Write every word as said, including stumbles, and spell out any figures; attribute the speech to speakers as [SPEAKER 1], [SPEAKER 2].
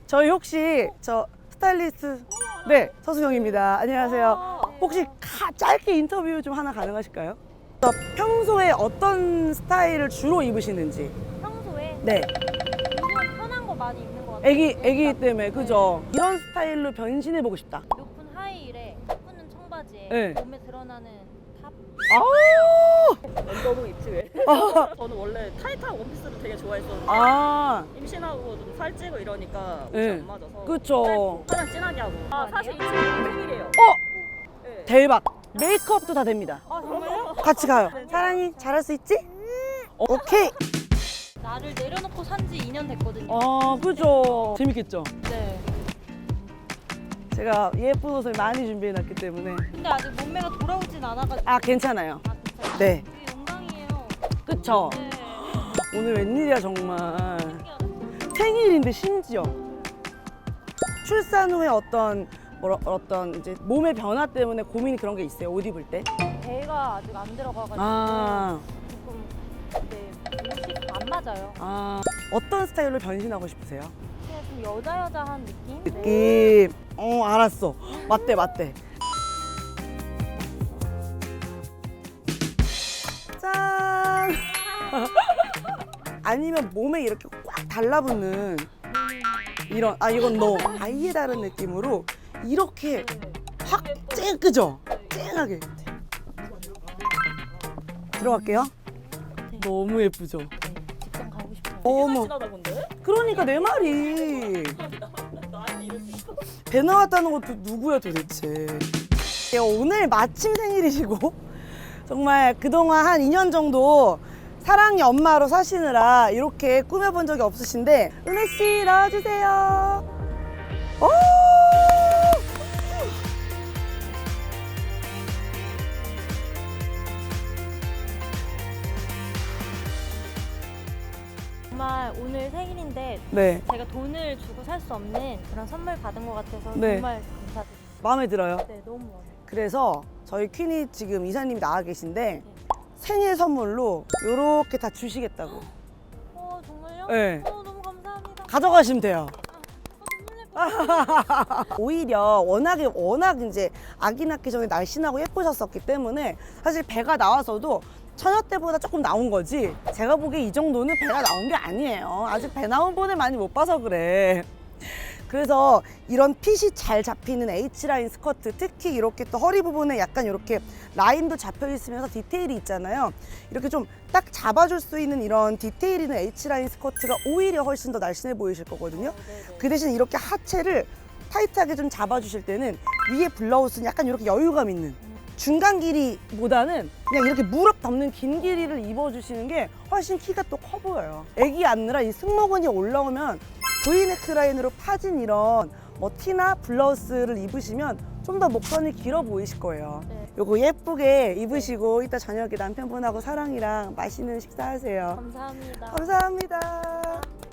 [SPEAKER 1] 저희 혹시 저 스타일리스트 네 서수경입니다. 안녕하세요. 혹시 가, 짧게 인터뷰 좀 하나 가능하실까요? 저 평소에 어떤 스타일을 주로 입으시는지.
[SPEAKER 2] 평소에
[SPEAKER 1] 네.
[SPEAKER 2] 요즘 편한 거 많이 입는 것 같아요.
[SPEAKER 1] 애기 애기 때문에 그죠? 이런 스타일로 변신해 보고 싶다.
[SPEAKER 2] 높은 하이힐에 예쁜 청바지에
[SPEAKER 1] 네.
[SPEAKER 2] 몸에 드러나는 탑.
[SPEAKER 1] 아,
[SPEAKER 3] 너무 입지 왜?
[SPEAKER 1] 아,
[SPEAKER 3] 저는 원래 타이트한 원피스를 되게 좋아했었는데
[SPEAKER 1] 아,
[SPEAKER 3] 임신하고 좀 살찌고 이러니까 옷이
[SPEAKER 1] 네.
[SPEAKER 3] 안 맞아서
[SPEAKER 1] 그쵸.
[SPEAKER 3] 화장 진하게 하고 아 사실 이 친구 생일이에요.
[SPEAKER 1] 어,
[SPEAKER 3] 네.
[SPEAKER 1] 대박. 메이크업도 다 됩니다.
[SPEAKER 2] 아 정말요?
[SPEAKER 1] 같이 가요. 사랑이 잘할 수 있지? 오케이.
[SPEAKER 2] 나를 내려놓고 산지 이 년 됐거든요.
[SPEAKER 1] 아, 그죠. 재밌겠죠?
[SPEAKER 2] 네.
[SPEAKER 1] 제가 예쁜 옷을 많이 준비해놨기 때문에.
[SPEAKER 2] 근데 아직 몸매가 돌아오진 않아가지고.
[SPEAKER 1] 아, 괜찮아요.
[SPEAKER 2] 아, 진짜요?
[SPEAKER 1] 네.
[SPEAKER 2] 되게 영광이에요.
[SPEAKER 1] 그쵸?
[SPEAKER 2] 네.
[SPEAKER 1] 오늘 웬일이야, 정말.
[SPEAKER 2] 신기하다.
[SPEAKER 1] 생일인데, 심지어. 출산 후에 어떤, 뭐라, 어떤 이제 몸의 변화 때문에 고민이 그런 게 있어요, 옷 입을 때?
[SPEAKER 2] 배가 아직 안 들어가가지고
[SPEAKER 1] 아,
[SPEAKER 2] 조금 네, 옷이 안 맞아요.
[SPEAKER 1] 아. 어떤 스타일로 변신하고 싶으세요?
[SPEAKER 2] 그냥 좀 여자 여자한 느낌? 네.
[SPEAKER 1] 느낌. 어, 알았어. 맞대, 맞대. 짠! 아니면 몸에 이렇게 꽉 달라붙는 이런, 아, 이건 너. 아예 다른 느낌으로 이렇게 확 쨍, 그죠? 쨍하게. 들어갈게요. 너무 예쁘죠?
[SPEAKER 2] 네, 직장 가고 싶어요.
[SPEAKER 1] 어머.
[SPEAKER 3] 친하다 근데?
[SPEAKER 1] 그러니까 내 말이.
[SPEAKER 3] 나한테 이럴 수 있어?
[SPEAKER 1] 배 나왔다는 것도 누구야 도대체. 예, 오늘 마침 생일이시고 정말 그동안 한 이 년 정도 사랑이 엄마로 사시느라 이렇게 꾸며본 적이 없으신데 은혜 씨 나와주세요. 오!
[SPEAKER 2] 정말 오늘 생일인데
[SPEAKER 1] 네,
[SPEAKER 2] 제가 돈을 주고 살 수 없는 그런 선물 받은 것 같아서
[SPEAKER 1] 네.
[SPEAKER 2] 정말 감사드립니다.
[SPEAKER 1] 마음에 들어요.
[SPEAKER 2] 네, 너무 마음에
[SPEAKER 1] 그래서 저희 퀸이 지금 이사님이 나와 계신데 생일 선물로 이렇게 다 주시겠다고.
[SPEAKER 2] 어, 정말요?
[SPEAKER 1] 네.
[SPEAKER 2] 어, 너무 감사합니다.
[SPEAKER 1] 가져가시면 돼요.
[SPEAKER 2] 어, 눈물
[SPEAKER 1] 오히려 워낙에 워낙 이제 아기 낳기 전에 날씬하고 예쁘셨었기 때문에 사실 배가 나와서도 처녀 때보다 조금 나온 거지. 제가 보기에 이 정도는 배가 나온 게 아니에요. 아직 배 나온 분을 많이 못 봐서 그래. 그래서 이런 핏이 잘 잡히는 H라인 스커트, 특히 이렇게 또 허리 부분에 약간 이렇게 라인도 잡혀 있으면서 디테일이 있잖아요. 이렇게 좀 딱 잡아줄 수 있는 이런 디테일 있는 H라인 스커트가 오히려 훨씬 더 날씬해 보이실 거거든요.
[SPEAKER 2] 네네.
[SPEAKER 1] 그 대신 이렇게 하체를 타이트하게 좀 잡아주실 때는 위에 블라우스는 약간 이렇게 여유감 있는 중간 길이보다는 그냥 이렇게 무릎 덮는 긴 길이를 입어주시는 게 훨씬 키가 또 커 보여요. 애기 안느라 이 승모근이 올라오면 V네크 라인으로 파진 이런 뭐 티나 블라우스를 입으시면 좀 더 목선이 길어 보이실 거예요.
[SPEAKER 2] 네.
[SPEAKER 1] 요거 예쁘게 입으시고 이따 저녁에 남편분하고 사랑이랑 맛있는 식사하세요.
[SPEAKER 2] 감사합니다.
[SPEAKER 1] 감사합니다.